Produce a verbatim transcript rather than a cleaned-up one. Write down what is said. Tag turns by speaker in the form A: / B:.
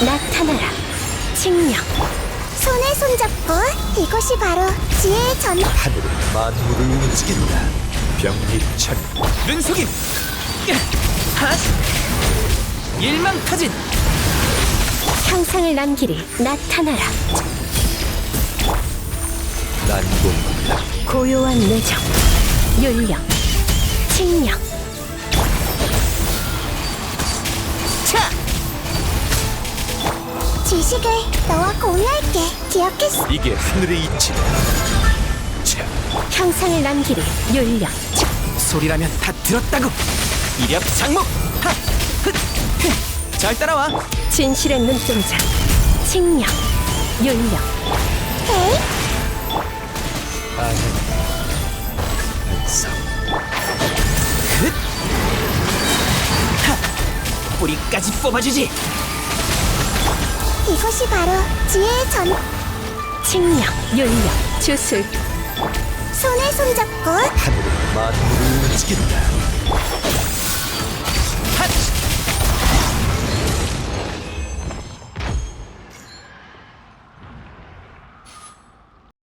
A: 나타나라. 칙령.
B: 손에 손잡고 이것이 바로 지혜의 전.
C: 하늘은 만물을 움직인다. 병리천
D: 눈속임. 핫. 일망타진.
A: 형상을 남기리. 나타나라.
C: 난공불락
A: 고요한 내정. 윤령. 칙령.
D: 차.
B: 지식을 너와 공유할게. 기억했어.
C: 이게 하늘의 이치다. 차
A: 형상을 남기리. 윤령.
D: 소리라면 다 들었다고. 이력 장목. 핫. 흑. 흑. 잘 따라와.
A: 진실의 눈동자. 칙령. 윤령.
B: 에이,
C: 아는 반성
D: 흑. 하. 뿌리까지 뽑아주지.
B: 이것이 바로 지혜의 전.
A: 칙령. 윤령. 주술.
B: 손에 손잡고
C: 하늘은 만물을 움직인다.